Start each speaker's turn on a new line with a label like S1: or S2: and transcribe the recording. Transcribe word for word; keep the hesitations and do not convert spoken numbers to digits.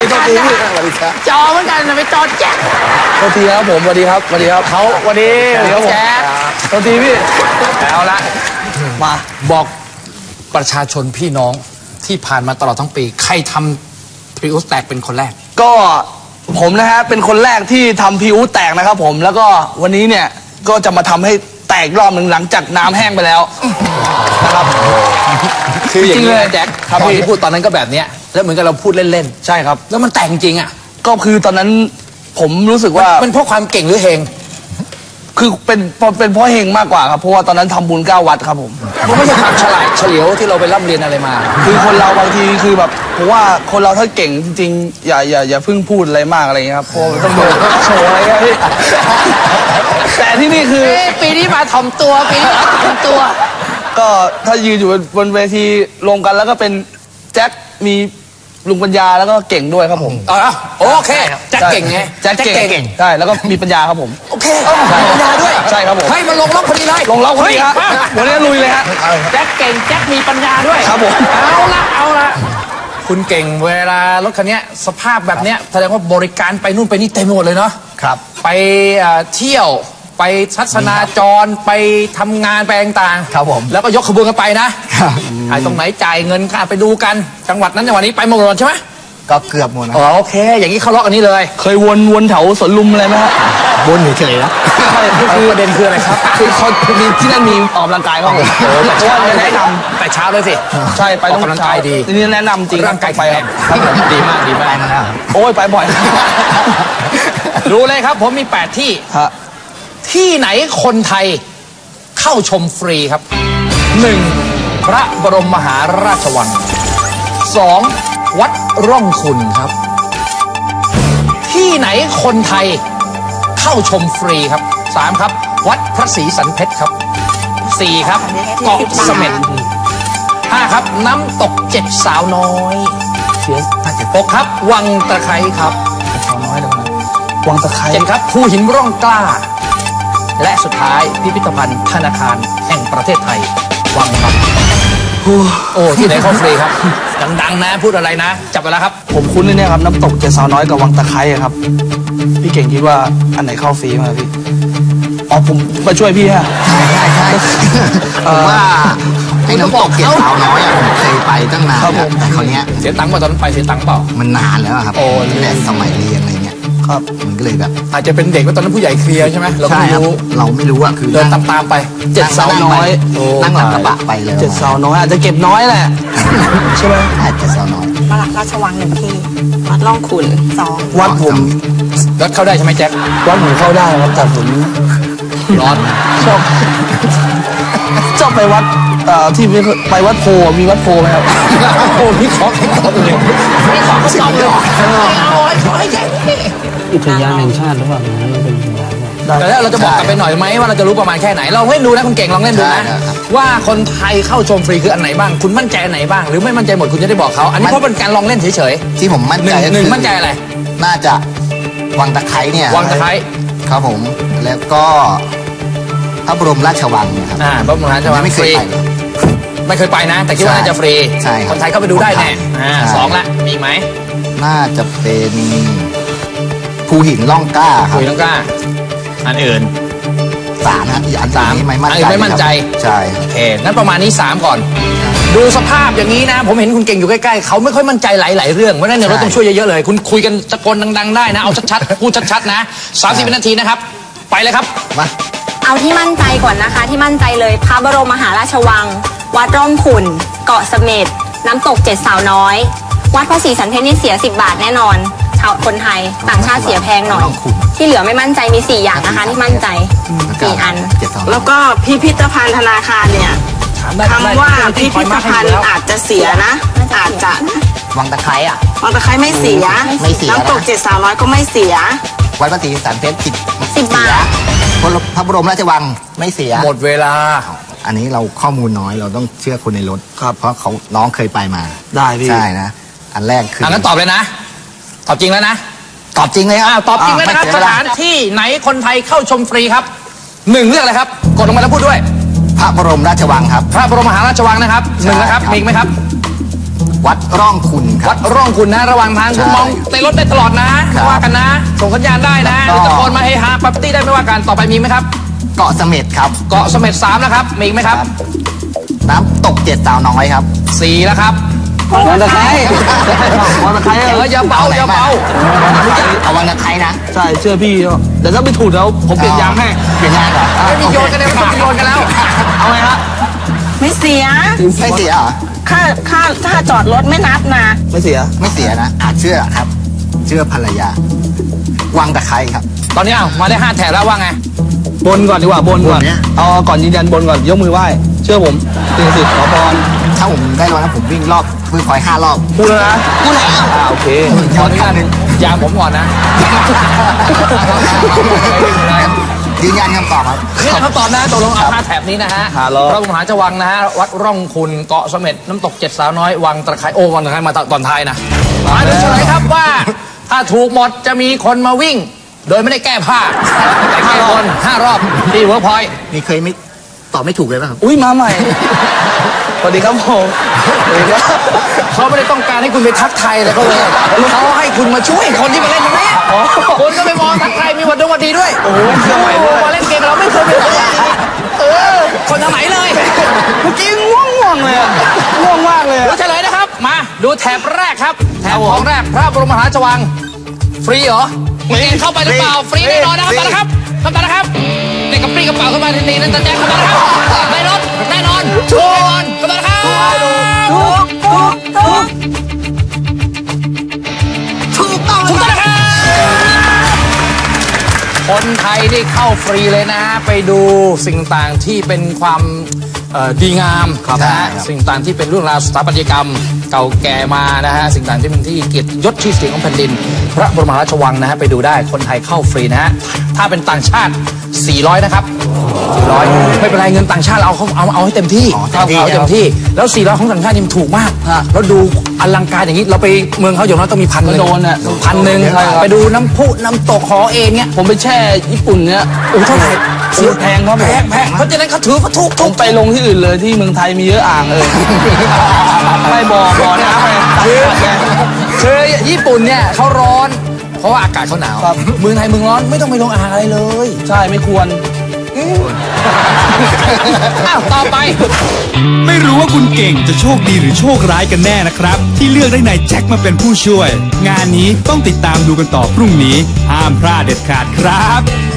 S1: ไม่ต้องตีพี่สวัสดีครับ
S2: จอเหมือนกันนะไปจอแจ๊ค
S1: สวัสดีครับผมสวัสดีครับสวัสดีครับ
S2: เขาสวัสดีแจ๊ค
S1: สวัสดีพี่
S2: เอาละ
S1: มา
S2: บอกประชาชนพี่น้องที่ผ่านมาตลอดทั้งปีใครทำพริอุสแตกเป็นคนแรก
S1: ก็ผมนะฮะเป็นคนแรกที่ทำพริอุสแตกนะครับผมแล้วก็วันนี้เนี่ยก็จะมาทำให้แตกรอบหนึ่งหลังจากน้ำแห้งไปแล้วนะครับ
S2: คืออย่างนี้แจ็คตอนที่พูดตอนนั้นก็แบบเนี้ยแล้วเหมือนกับเราพูดเล่น
S1: ๆใช่ครับ
S2: แล้วมันแตกจริงอ่ะ
S1: ก็คือตอนนั้นผมรู้สึกว่า
S2: มันเพราะความเก่งหรือเฮง
S1: คือเป็นเป็นเพราะเฮงมากกว่าครับเพราะว่าตอนนั้นทำบุญเก้าวัดครับผม
S2: มันไม่ใช่ความฉลาดเฉลียวที่เราไปร่ำเรียนอะไรมา
S1: คือคนเราบางทีคือแบบผมว่าคนเราถ้าเก่งจริงๆอย่าอย่าอย่าเพิ่งพูดอะไรมากอะไรเงี้ยครับเพราะต้องโดนโชว์อะไรเงี้ยพี่แต่ที่นี่คือ
S2: ปีนี้มาถ่อมตัวปีนี้มาถ่อมตัว
S1: ก็ถ้ายืนอยู่บนเวทีรวมกันแล้วก็เป็นแจ็คมีลุงปัญญาแล้วก็เก่งด้วยครับผม
S2: อ๋อโอเคแจ็คเก่งไง
S1: แจ็คเก่งใช่แล้วก็มีปัญญาครับผม
S2: โอเคมีปัญญาด้วย
S1: ใช่ครับผม
S2: ให้มาลงล็อกคนนี้เลย
S1: ลงล็อกคนนี้ครับวันนี้ลุยเลยฮะ
S2: แจ็คเก่งแจ็คมีปัญญาด้วย
S1: ครับผม
S2: เอาละเอาละคุณเก่งเวลารถคันนี้สภาพแบบเนี้ยแสดงว่าบริการไปนู่นไปนี่เต็มหมดเลยเนาะ
S1: ครับ
S2: ไปเที่ยวไปทัศนาจรไปทำงานไปต่าง
S1: ๆครับผม
S2: แล้วก็ยกขบวนกันไปนะใครตรงไหนจ่ายเงินค่าไปดูกันจังหวัดนั้นจังหวัดนี้ไปหมดใช่ไหม
S1: ก็เกือบหมดนะ
S2: โอเคอย่างนี้เขาล็อกอันนี้เลย
S1: เคยวนวนแถวสวนลุมอะไรไหมฮะ
S2: วนเฉยๆนะคือประเด็นคืออะไรครับ
S1: คือเขามีที่นั่นมีออกกำลังกายครับผมเพราะว่าแนะนำ
S2: แต่เช้าเลยสิ
S1: ใช่ไปต้อง
S2: กำลังกายดี
S1: นี่แนะนำจริง
S2: ร่างกาย
S1: ไป
S2: ครับดีมากดีมากนะ
S1: โอ้ยไปบ่อย
S2: ดูเลยครับผมมีแปดที่ที่ไหนคนไทยเข้าชมฟรีครับหนึ่งพระบรมมหาราชวังสองวัดร่องขุ่นครับที่ไหนคนไทยเข้าชมฟรีครับสามครับวัดพระศรีสันเพชรครับสี่ครับเกาะเสม็ดห้าครับน้ำตกเจ็ดสาวน้อยหกครับวังตะไคร้ครับ
S1: สาวน้อยเดี๋ยวนะวังตะไคร้
S2: เจ็ดครับภูหินร่องกล้าและสุดท้ายพิพิธภัณฑ์ธนาคารแห่งประเทศไทยวังครับโอ้ที่ไหนเข้าฟรีครับดังๆนะพูดอะไรนะจับไปแล้วครับ
S1: ผมคุ้นเลยเนี่ยครับน้ำตกเจ็ดสาวน้อยกับวังตะไคร้ครับพี่เก่งคิดว่าอันไหนเข้าฟรีมาพี่อ๋อผมมาช่วยพี่ฮะ
S3: ใช่ใช่ใช่ผมว่าไอ้น้ำตกเจ็ดสาวน้อยผมเคยไปตั้งนานแล้วแต่คราวนี้
S2: เสียตังค์ป่ะตอนนั้นไปเสียตังค์เปล่า
S3: มันนานแล้วครับโอ้แต่สมัยเรียนอะไรเงี้ย
S1: ครับ
S3: มันก็เลยแบบ
S2: อาจจะเป็นเด็กว่าตอนนั้นผู้ใหญ่เคลียร์ใช่ไหมเราไม่รู้
S3: เราไม่รู้อะคือ
S2: เดินตามๆไป
S1: เจ็ดสาวน้อย
S3: นั่งหลังกระบะไปเลย
S1: เจ็ดสาวน้อยอาจจะเก็บน้อยแหละใช่ไหม
S3: เจ็ดสาวน้อย
S4: มาราชวังหนึ่งที่วัดร่องขุ่นสอง
S1: วัดผม
S2: วัดเข้าได้ใช่ไหมแจ็ค
S1: วัดผมเข้าได้ครับแต่ผม
S2: ร้อน
S1: ชอบชอบไปวัดที่ไปวัดโพมีวัดโพไหมครับ
S2: โอ้พี่ขอแข่งก่อนเลยพี่ขอก็ต้องเลยเอาไว้ขอให้แจ็ค
S1: อุทยานแห่งชาติหรือเปล่ามันเป็นอุทยาน
S2: แต่แล้วเราจะบอกกันไปหน่อยไหมว่าเราจะรู้ประมาณแค่ไหนเราเล่นดูนะคุณเก่งลองเล่นดูนะว่าคนไทยเข้าชมฟรีคืออันไหนบ้างคุณมั่นใจอันไหนบ้างหรือไม่มั่นใจหมดคุณจะได้บอกเขาอันนี้เพราะเป็นการลองเล่นเฉย
S3: ๆที่ผมมั่นใจ
S2: หนึ่งมั่นใจอะไร
S3: น่าจะวังตะไคร้เนี่ย
S2: วังตะไคร้
S3: ครับผมแล้วก็พระบรมราชวังนะครับ
S2: อ่าพระบรมราชวัง
S3: ไม่เคยไป
S2: ไม่เคยไปนะแต่คิดว่าน่าจะฟรีคนไทยเข้าไปดูได้แน่อ่าสองละมีไหม
S3: น่าจะเป็นภูหินล่องกล้าครับ
S2: ภูหินล่องกล้าอันอื่น
S3: สามนะอันสาม
S2: ไม่มั่นใจไม่มั่นใจ
S3: ใช่
S2: โอเคงั้นประมาณนี้สามก่อนดูสภาพอย่างนี้นะผมเห็นคุณเก่งอยู่ใกล้ๆเขาไม่ค่อยมั่นใจหลายๆเรื่องเพราะนั้นเนี่ยเราต้องช่วยเยอะๆเลยคุณคุยกันตะโกนดังๆได้นะเอาชัดๆพูดชัดๆนะสามสิบวินาทีนะครับไปเลยครับ
S3: มา
S4: เอาที่มั่นใจก่อนนะคะที่มั่นใจเลยพระบรมมหาราชวังวัดร่องขุ่นเกาะเสม็ดน้ำตกเจ็ดสาวน้อยวัดพระศรีสันเพชรนี่เสียสิบบาทแน่นอนชาวคนไทยต่างชาติเสียแพงหน่อยที่เหลือไม่มั่นใจมีสี่อย่างนะคะที่มั่นใจสี่อัน
S5: แล้วก็พิพิธภัณฑ์ธนาคารเนี่ยคำว่าพิพิธภัณฑ์อาจจะเสียนะอาจจะ
S3: วังตะไคร้อ่ะ
S5: วังตะไคร้ไม่เสียน้ำตกเจ็ดสาวน้อยก็ไม่เสีย
S3: วัดพระศรีสันเพชรสิบ
S4: สิบบาท
S3: พระบรมราชวังไม่เสีย
S2: หมดเวลา
S3: อันนี้เราข้อมูลน้อยเราต้องเชื่อคนในรถ
S1: ครับ
S3: เพราะเขาน้องเคยไปมา
S1: ได้พี่
S3: ใช่นะอันแรกคือ
S2: อันนั้นตอบเลยนะตอบจริงแล้วนะ
S3: ตอบจริงเลยครับ
S2: ตอบจริงเลยนะครับสถานที่ไหนคนไทยเข้าชมฟรีครับหนึ่งเรื่องอะไรครับกดลงมาแล้วพูดด้วย
S3: พระบรมราชวังครับ
S2: พระบรมมหาราชวังนะครับหนึ่งนะครับมีไหมครับ
S3: วัดร่องคุณครั
S2: วั
S3: บ
S2: ดร่องคุณนะระหว่างทางคุณ
S3: ใช่
S2: มองในรถได้ตลอดนะครับ ว่ากันนะ ส่งสัญญาณได้นะห
S3: ก็
S2: รือตะโกนมาเฮฮาปั๊บตี้ได้ไม่ว่ากันต่อไปมีไหมครับ
S3: เกาะเสม็ดครับ
S2: เกาะเสม็ดสามนะครับมีอีกไหมครับ
S3: น้ำตกเจ็ดสาวน้อยครับ
S2: สี่แล้วครับ
S1: วันตะไคร้วันตะไคร้
S2: เอออย่าเบาอย่าเบา
S3: เอาวังตะไคร้นะ
S1: ใช่เชื่อพี่แต่ถ้าไม่ถูกแล้วผมเปลี่ยนยางให้
S3: เปลี่ยนยางเหรอ
S2: ไม่มีโยนกันเลยไม่ต้องโยนกันแล้ว
S1: เอาไงฮะ
S5: ไม่เสีย
S3: ไม่เสียเหรอ
S5: ค่าค่าค่าจอดรถไม่นับนะ
S1: ไม่เสีย
S3: ไม่เสียนะอาจเชื่อครับ เชื่อภรรยา วังตะไคร้ครับ
S2: ตอนนี้เอามาได้ห้าแถวแล้วว่าไง
S1: บนก่อนดีกว่าบนก่อน
S3: บนเนี่ย
S1: เอาก่อนยืนยันบนก่อนยกมือไหว้เชื่อผมสิ่งศักดิ์สิทธิ์ขอพร
S3: ถ้าผมได้รางวัลนะผมวิ่งรอบวิ่งพลอยห้ารอบ
S1: พูดแล้วนะ
S3: กูแล้ว
S1: อ่าโอเค
S2: ขออนุญาตยามผมก่อนนะ
S3: ยืนยันคำตอบครับ
S2: นี่คำตอบนะตกลงเอาห้าแถบนี้นะฮะ
S1: หาล้อ
S2: พระบรมมหาราชวังนะฮะวัดร่องคุณเกาะเสม็ดน้ำตกเจ็ดสาวน้อยวังตะไคร้โอ้วังตะไคร้มาตอนท้ายนะมาดูเฉลยครับว่าถ้าถูกหมดจะมีคนมาวิ่ง โดยไม่ได้แก้ผ้าแต่แก้คนห้ารอบที่เวิร์กพอยต์
S3: มีเคยไม่ตอบไม่ถูกเลยป่ะครับ
S1: อุ้ยมาใหม่สวัสดีครับผมสวัสดีครับ
S2: เขาไม่ได้ต้องการให้คุณไปทักทายอะไรเขาเลยเขาให้คุณมาช่วยคนที่มาเล่นตรงนี้คุณก็ไปมองทักทายมีวันดงวันดีด้วยโอ้โหเชื่อใหม่ด้วยมาเล่นเกมเราไม่เคยเป็นคนเออคนทางไหนเลย
S1: เมื่อกี้ง่วงง่วงเลยอะง่วงมากเลย
S2: ดู
S1: อะ
S2: เฉลยนะครับ มาดูแถบแรกครับ แถบของแรกพระบรมมหาราชวัง ฟรีเหรอไม่เห็นเข้าไปหรือเปล่า ฟรีแน่นอนนะครับตอนนะครับคำตอบนะครับเด็กกับปรีกระเป๋าขึ้นมาทันทีนั่นจะแจ้งคำตอบนะครับในรถแน่นอนชัวร์คำตอบนะครับ
S5: ถูกถูกถูก
S3: ถูกต้อง
S2: ถูกต้องนะครับคนไทยได้เข้าฟรีเลยนะ ไปดูสิ่งต่างที่เป็นความเอ่อดีงามนะฮะสิ่งต่างที่เป็นเรื่องราวสถาปัตยกรรม เก่าแก่มานะฮะสิ่งต่างที่เป็นที่เกียรติยศชื่อเสียงของแผ่นดิน พระบรมมหาราชวังนะฮะไปดูได้คนไทยเข้าฟรีนะฮะถ้าเป็นต่างชาติ สี่ร้อย นะครับ สี่ร้อย ไม่เป็นไรเงินต่างชาติเราเอาเอาเอาให้เต็มที่เอาเอาเต็มที่แล้ว สี่ร้อย ของต่างชาตินี่มันถูกมากแล้วดูอลังการอย่างนี้เราไปเมืองเขาอย่างน้อยต้องมีพันหนึ่ง
S1: โดนอะ
S2: พันหนึ่งไปดูน้ำพุน้ำตกหอเองเนี่ย
S1: ผมไปแช่ญี่ปุ่นเนี่ย
S2: โอ้เท่าไหร่
S1: โอ้แพงครับผม
S2: แพงแพงเพราะฉะนั้นเขาถือว่าถูก
S1: ผ
S2: ถู
S1: ม
S2: ก
S1: ไปลงที่อื่นเลยที่เมืองไทยมีเยอะอ่างเลยไม่บ่อบ่อน้ำเลย
S2: คือคือญี่ปุ่นเนี่ยเขาร้อน เพราะว่าอากาศเขาหนาว
S1: ครับ
S2: เมืองไทยเมืองร้อนไม่ต้องไปลงอ่างอะไรเลย
S1: ใช่ไม่ควร
S2: อ้าวต่อไป
S6: ไม่รู้ว่าคุณเก่งจะโชคดีหรือโชคร้ายกันแน่นะครับ ที่เลือกได้นายแจ็คมาเป็นผู้ช่วย งานนี้ต้องติดตามดูกันต่อพรุ่งนี้ ห้ามพลาดเด็ดขาดครับ